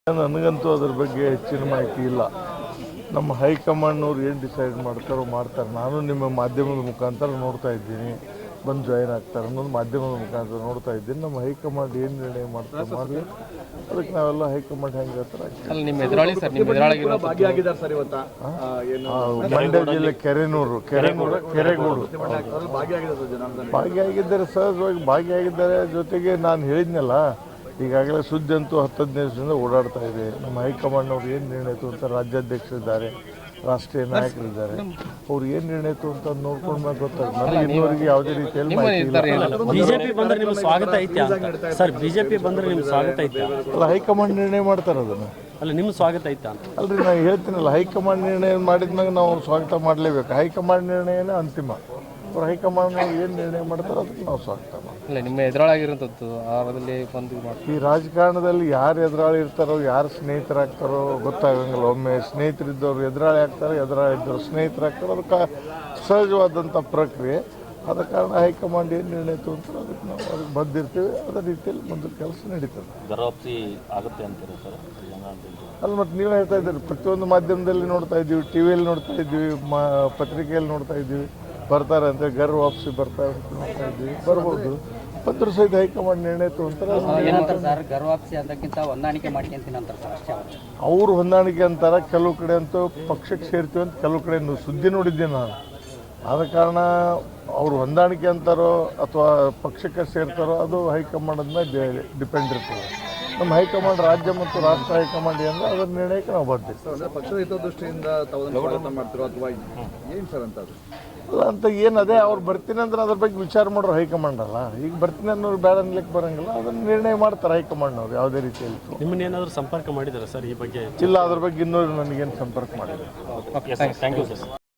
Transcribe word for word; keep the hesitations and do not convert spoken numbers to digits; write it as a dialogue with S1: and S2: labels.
S1: ನನಗಂತೂ ಅದ್ರ ಬಗ್ಗೆ ಹೆಚ್ಚಿನ ಮಾಹಿತಿ ಇಲ್ಲ. ನಮ್ಮ ಹೈಕಮಾಂಡ್ನವ್ರು ಏನು ಡಿಸೈಡ್ ಮಾಡ್ತಾರೋ ಮಾಡ್ತಾರೆ. ನಾನು ನಿಮ್ಮ ಮಾಧ್ಯಮದ ಮುಖಾಂತರ ನೋಡ್ತಾ ಇದ್ದೀನಿ, ಬಂದು ಜಾಯಿನ್ ಆಗ್ತಾರೆ ಅನ್ನೋದು ಮಾಧ್ಯಮದ ಮುಖಾಂತರ ನೋಡ್ತಾ ಇದ್ದೀನಿ. ನಮ್ಮ ಹೈಕಮಾಂಡ್ ಏನು ನಿರ್ಣಯ ಮಾಡ್ತಾರೆ ಮಾಡಲಿ, ಅದಕ್ಕೆ ನಾವೆಲ್ಲ ಹೈಕಮಾಂಡ್ ಹೆಂಗೆ ಹೇಳ್ತಾರೆ. ಮಂಡ್ಯ ಜಿಲ್ಲೆ ಕೆರೆನೂರು ಕೆರೆನೂರು ಕೆರೆಗೋಡು ಭಾಗಿಯಾಗಿದ್ದಾರೆ, ಸಹಜವಾಗಿ ಭಾಗಿಯಾಗಿದ್ದಾರೆ. ಜೊತೆಗೆ ನಾನು ಹೇಳಿದ್ನಲ್ಲ, ಈಗಾಗಲೇ ಸುದ್ದಿ ಅಂತೂ ಹತ್ತು ಹದಿನೈದು ದಿವಸದಿಂದ ಓಡಾಡ್ತಾ ಇದೆ. ನಮ್ಮ ಹೈಕಮಾಂಡ್ನವ್ರು ಏನು ನಿರ್ಣಯ ಅಂತ ರಾಜ್ಯಾಧ್ಯಕ್ಷರಿದ್ದಾರೆ, ರಾಷ್ಟ್ರೀಯ ನಾಯಕರಿದ್ದಾರೆ, ಅವ್ರು ಏನು ನಿರ್ಣಯ ಅಂತ ನೋಡ್ಕೊಂಡ್ಮೇಲೆ ಗೊತ್ತಾಗುತ್ತೆ. ನನಗೆ ಇನ್ನೂವರೆಗೆ ಯಾವುದೇ ರೀತಿಯಲ್ಲಿ
S2: ಬಿಜೆಪಿ ಬಂದ್ರೆ ನಿಮ್ಗೆ ಸ್ವಾಗತ ಐತೆ ಸರ್? ಬಿಜೆಪಿ ಬಂದ್ರೆ ನಿಮ್ಗೆ ಸ್ವಾಗತ ಐತೆ?
S1: ಅಲ್ಲ, ಹೈಕಮಾಂಡ್ ನಿರ್ಣಯ ಮಾಡ್ತಾರೆ ಅದನ್ನು.
S2: ಅಲ್ಲ, ನಿಮ್ಗೆ ಸ್ವಾಗತ ಐತಾ?
S1: ಅಲ್ರಿ, ನಾನು ಹೇಳ್ತೀನಲ್ಲ, ಹೈಕಮಾಂಡ್ ನಿರ್ಣಯ ಮಾಡಿದ್ಮ್ಯಾಗ ನಾವು ಸ್ವಾಗತ ಮಾಡಲೇಬೇಕು. ಹೈಕಮಾಂಡ್ ನಿರ್ಣಯನೇ ಅಂತಿಮ. ಅವ್ರು ಹೈಕಮಾಂಡ್ ಏನು ನಿರ್ಣಯ ಮಾಡ್ತಾರೆ ಅದಕ್ಕೆ ನಾವು ಸ್ವಾಗತ ಮಾಡ್ತೀವಿ.
S3: ನಿಮ್ಮ ಎದುರಾಗಿರುವಂಥದ್ದು ಆರದಲ್ಲಿ ಬಂದು
S1: ಈ ರಾಜಕಾರಣದಲ್ಲಿ ಯಾರು ಎದುರಾಳಿ ಇರ್ತಾರೋ, ಯಾರು ಸ್ನೇಹಿತರಾಗ್ತಾರೋ ಗೊತ್ತಾಗಂಗಿಲ್ಲ. ಒಮ್ಮೆ ಸ್ನೇಹಿತರಿದ್ದವ್ರು ಎದುರಾಳಿ ಆಗ್ತಾರೆ, ಎದುರಾಳಿ ಇದ್ದವ್ರು ಸ್ನೇಹಿತರಾಗ್ತಾರೆ. ಅದಕ್ಕೆ ಸಹಜವಾದಂಥ ಪ್ರಕ್ರಿಯೆ. ಆದ ಕಾರಣ ಹೈಕಮಾಂಡ್ ಏನು ನಿರ್ಣಯ ತಗೊಂತಾರೆ ಅದಕ್ಕೆ ನಾವು ಅದಕ್ಕೆ ಬಂದಿರ್ತೀವಿ. ಅದೇ ರೀತಿಯಲ್ಲಿ ಮುಂದೆ ಕೆಲಸ ನಡೀತದೆ.
S2: ಗರ್ವಾಪ್ಸಿ ಆಗುತ್ತೆ ಅಂತಾರೆ ಸರ್?
S1: ಅಲ್ಲಿ ಮತ್ತು ನೀವು ಹೇಳ್ತಾ ಇದ್ದೀರಿ, ಪ್ರತಿಯೊಂದು ಮಾಧ್ಯಮದಲ್ಲಿ ನೋಡ್ತಾ ಇದ್ದೀವಿ, ಟಿ ವಿಯಲ್ಲಿ ನೋಡ್ತಾ ಇದ್ದೀವಿ, ಮಾ ಪತ್ರಿಕೆಯಲ್ಲಿ ನೋಡ್ತಾ ಇದ್ದೀವಿ, ಬರ್ತಾರೆ ಅಂತ ಗರ್ ವಾಪಸಿ ಬರ್ತಾರೆ ನೋಡ್ತಾ ಇದ್ದೀವಿ. ಬರ್ಬೋದು, ಪತ್ರ ಸಹಿತ ಹೈಕಮಾಂಡ್ ನಿರ್ಣಯ ತಗೊಂತಾರೆ. ಅವರು ಹೊಂದಾಣಿಕೆ ಅಂತಾರೆ, ಕೆಲವು ಕಡೆ ಅಂತೂ ಪಕ್ಷಕ್ಕೆ ಸೇರ್ತೀವಿ ಅಂತ ಕೆಲವು ಕಡೆ ಸುದ್ದಿ ನೋಡಿದ್ದೀನಿ ನಾನು. ಆದ ಕಾರಣ ಅವರು ಹೊಂದಾಣಿಕೆ ಅಂತಾರೋ ಅಥವಾ ಪಕ್ಷಕ್ಕೆ ಸೇರ್ತಾರೋ ಅದು ಹೈಕಮಾಂಡ್ ಮೇಲೆ ಡಿಪೆಂಡ್ ಇರ್ತದೆ. ನಮ್ಮ ಹೈಕಮಾಂಡ್ ರಾಜ್ಯ ಮತ್ತು ರಾಷ್ಟ್ರ ಹೈಕಮಾಂಡ್ ಅಂದರೆ ಅದರ ನಿರ್ಣಯಕ್ಕೆ ನಾವು ಬರ್ತೀವಿ.
S4: ಪಕ್ಷದ ಹಿತದೃಷ್ಟಿಯಿಂದ ಮಾಡ್ತಿರೋ ಅಥವಾ ಏನು ಸರ್ ಅಂತ
S1: ಅಲ್ಲ ಅಂತ ಏನು, ಅದೇ ಅವ್ರು ಬರ್ತೀನಿ ಅಂದ್ರೆ ಅದ್ರ ಬಗ್ಗೆ ವಿಚಾರ ಮಾಡೋರು ಹೈಕಮಾಂಡ್ ಅಲ್ಲ. ಈಗ ಬರ್ತೀನಿ ಅನ್ನೋರು ಬೇಡ ಅನ್ಲಿಕ್ಕೆ ಬರೋಂಗಿಲ್ಲ, ಅದನ್ನು ನಿರ್ಣಯ ಮಾಡ್ತಾರೆ ಹೈಕಮಾಂಡ್ನವ್ರು ಯಾವುದೇ ರೀತಿಯಲ್ಲಿ.
S2: ನಿಮ್ಮನ್ನೇನಾದರೂ ಸಂಪರ್ಕ ಮಾಡಿದ್ದಾರೆ ಸರ್ ಈ ಬಗ್ಗೆ?
S1: ಇಲ್ಲ, ಅದ್ರ ಬಗ್ಗೆ ಇನ್ನೂ ನನಗೇನು ಸಂಪರ್ಕ ಮಾಡಿಲ್ಲ.
S2: Thank you sir.